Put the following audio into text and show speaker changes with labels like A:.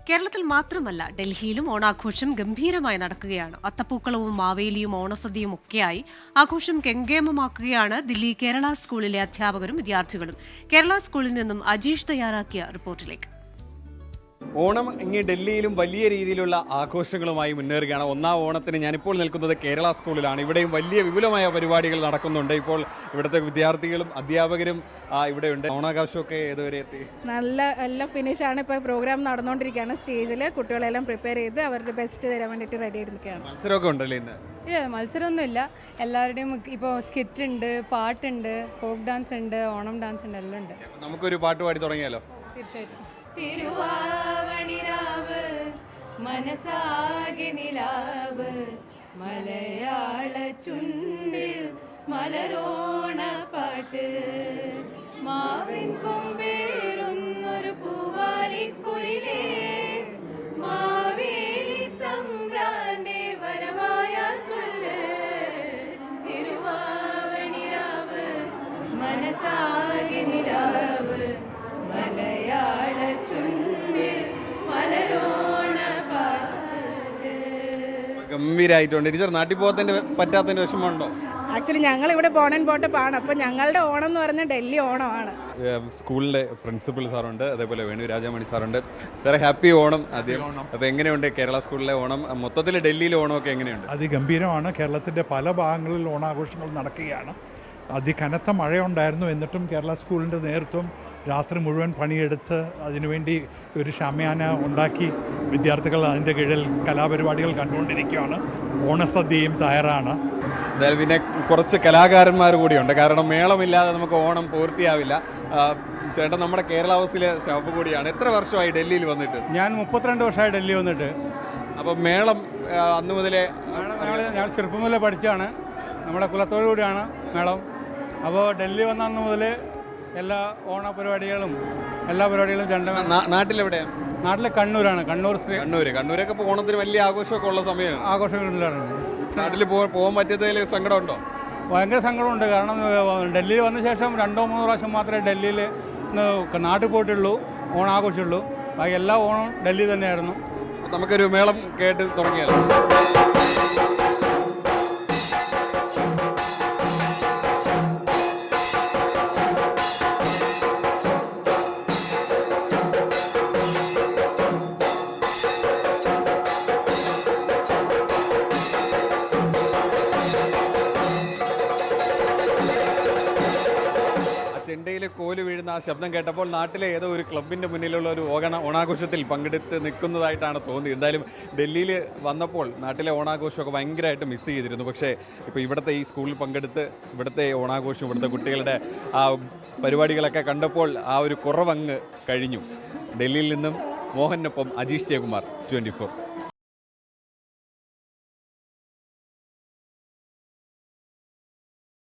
A: കേരളത്തിൽ മാത്രമല്ല ഡൽഹിയിലും ഓണാഘോഷം ഗംഭീരമായി നടക്കുകയാണ്. അത്തപ്പൂക്കളവും മാവേലിയും ഓണസദ്യയും ഒക്കെയായി ആഘോഷം കെങ്കേമമാക്കുകയാണ് ദില്ലി കേരള സ്കൂളിലെ അധ്യാപകരും വിദ്യാർത്ഥികളും. കേരള സ്കൂളിൽ നിന്നും അജീഷ് തയ്യാറാക്കിയ റിപ്പോർട്ടിലേക്ക്.
B: ഓണം ഇങ്ങ് ഡൽഹിയിലും വലിയ രീതിയിലുള്ള ആഘോഷങ്ങളുമായി മുന്നേറുകയാണ്. ഒന്നാം ഓണത്തിന് ഞാനിപ്പോൾ നിൽക്കുന്നത് കേരള സ്കൂളിലാണ്. ഇവിടെയും വലിയ വിപുലമായ പരിപാടികൾ നടക്കുന്നുണ്ട്. ഇപ്പോൾ ഇവിടുത്തെ വിദ്യാർത്ഥികളും അധ്യാപകരും ഇവിടെയുണ്ട്. ഓണാഘോഷമൊക്കെ ഏതുവരെ എത്തി?
C: നല്ല ഫിനിഷാണ്. ഇപ്പോൾ പ്രോഗ്രാം നടന്നുകൊണ്ടിരിക്കുകയാണ്. സ്റ്റേജിൽ കുട്ടികളെല്ലാം പ്രിപ്പയർ ചെയ്ത് അവരുടെ ബെസ്റ്റ് തരാൻ വേണ്ടിയിട്ട് റെഡി ആയിരിക്കുകയാണ്.
B: മത്സരമൊക്കെ ഉണ്ടല്ലേ ഇന്ന്?
D: ഇല്ല, മത്സരമൊന്നുമില്ല. എല്ലാവരുടെയും ഇപ്പോൾ സ്കിറ്റ് ഉണ്ട്, പാട്ടുണ്ട്, ഫോക്ക് ഡാൻസ് ഉണ്ട്, ഓണം ഡാൻസ് ഉണ്ട്, എല്ലാം ഉണ്ട്.
B: നമുക്കൊരു പാട്ട് പാടി തുടങ്ങിയാലോ?
D: തീർച്ചയായിട്ടും.
E: തിരുവാവണിരാവ് മനസാകെ നിലാവ് മലയാള ചുണ്ടിൽ മലരോണ പാട്ട് മാവിൻ കൊമ്പേറുന്നൊരു പൂവാലിക്കുയിലേ മാവേലി തമ്പ്രാന്റെ വരവായ ചൊല്ല് തിരുവാവണിരാവ് മനസാകെ നിലാവ് മലയാള ചുണ്ടിൽ മലരോണ പാട്ട്.
B: ഗംഭീരായിട്ടുണ്ട്. ടീച്ചർ, നാട്ടിൽ പോകത്തിന്റെ പറ്റാത്തതിന്റെ വിഷമമുണ്ടോ?
C: ആക്ച്വലി ഞങ്ങൾ ഇവിടെ ബോൺ ആൻഡ് ബോട്ടപ്പാണ്. അപ്പോൾ ഞങ്ങളുടെ ഓണം എന്ന് പറഞ്ഞാൽ ഡൽഹി ഓണമാണ്.
B: സ്കൂളിലെ പ്രിൻസിപ്പൽ സാറുണ്ട്, അതേപോലെ വേണു രാജാമണി സാറുണ്ട്. വേറെ ഹാപ്പി ഓണം ആദ്യം. അപ്പോൾ എങ്ങനെയുണ്ട് കേരള സ്കൂളിലെ ഓണം? മൊത്തത്തിൽ ഡൽഹിയിലെ ഓണമൊക്കെ എങ്ങനെയുണ്ട്?
F: അതിഗംഭീരമാണ്. കേരളത്തിൻ്റെ പല ഭാഗങ്ങളിൽ ഓണാഘോഷങ്ങൾ നടക്കുകയാണ്. അതികനത്ത മഴയുണ്ടായിരുന്നു. എന്നിട്ടും കേരള സ്കൂളിൻ്റെ നേതൃത്വം രാത്രി മുഴുവൻ പണിയെടുത്ത് അതിനുവേണ്ടി ഒരു ഷമ്യാന ഉണ്ടാക്കി വിദ്യാർത്ഥികൾ അതിൻ്റെ കീഴിൽ കലാപരിപാടികൾ കണ്ടുകൊണ്ടിരിക്കുകയാണ്. ഓണസദ്യയും തയ്യാറാണ്.
B: എന്തായാലും പിന്നെ കുറച്ച് കലാകാരന്മാർ കൂടിയുണ്ട്. കാരണം മേളമില്ലാതെ നമുക്ക് ഓണം പൂർത്തിയാവില്ല. ചേട്ടൻ നമ്മുടെ കേരള ഹൗസിലെ സ്റ്റാഫ് കൂടിയാണ്. എത്ര വർഷമായി ഡൽഹിയിൽ വന്നിട്ട്?
G: ഞാൻ 32 വർഷമായി ഡൽഹി വന്നിട്ട്.
B: അപ്പോൾ മേളം അന്ന് മുതലേ?
G: ഞാൻ ചെറുപ്പം മുതലേ പഠിച്ചാണ്. നമ്മുടെ കുലത്തോടു കൂടിയാണ് മേളം. അപ്പോൾ ഡൽഹി വന്ന അന്ന് മുതൽ എല്ലാ ഓണ പരിപാടികളും എല്ലാ പരിപാടികളും
B: നാട്ടിലെവിടെയാണ്?
G: നാട്ടിൽ കണ്ണൂരാണ്.
B: കണ്ണൂരൊക്കെ ഇപ്പോൾ ഓണത്തിന് വലിയ ആഘോഷമൊക്കെ ഉള്ള സമയമാണ്.
G: ആഘോഷങ്ങളിലാണ്.
B: നാട്ടിൽ പോകാൻ പറ്റിയതിൽ സങ്കടമുണ്ടോ?
G: ഭയങ്കര സങ്കടമുണ്ട്. കാരണം ഡൽഹിയിൽ വന്ന ശേഷം 2-3 പ്രാവശ്യം മാത്രമേ ഡൽഹിയിൽ നാട്ടിൽ പോയിട്ടുള്ളൂ, ഓണാഘോഷമുള്ളൂ. ബാക്കി എല്ലാ ഓണവും ഡൽഹി തന്നെയായിരുന്നു.
B: നമുക്കൊരു മേളം കേട്ട് തുടങ്ങിയാലോ? ചെണ്ടയിൽ കോല് വീഴുന്ന ആ ശബ്ദം കേട്ടപ്പോൾ നാട്ടിലെ ഏതോ ഒരു ക്ലബിൻ്റെ മുന്നിലുള്ള ഒരു ഓണാഘോഷത്തിൽ പങ്കെടുത്ത് നിൽക്കുന്നതായിട്ടാണ് തോന്നിയത്. എന്തായാലും ഡൽഹിയിൽ വന്നപ്പോൾ നാട്ടിലെ ഓണാഘോഷമൊക്കെ ഭയങ്കരമായിട്ട് മിസ് ചെയ്തിരുന്നു. പക്ഷേ ഇപ്പോൾ ഇവിടുത്തെ ഈ സ്കൂളിൽ പങ്കെടുത്ത് ഇവിടുത്തെ ഓണാഘോഷം, ഇവിടുത്തെ കുട്ടികളുടെ ആ പരിപാടികളൊക്കെ കണ്ടപ്പോൾ ആ ഒരു കുറവങ്ങ് കഴിഞ്ഞു. ഡൽഹിയിൽ നിന്നും മോഹനൊപ്പം അജീഷ് ജയകുമാർ, 24.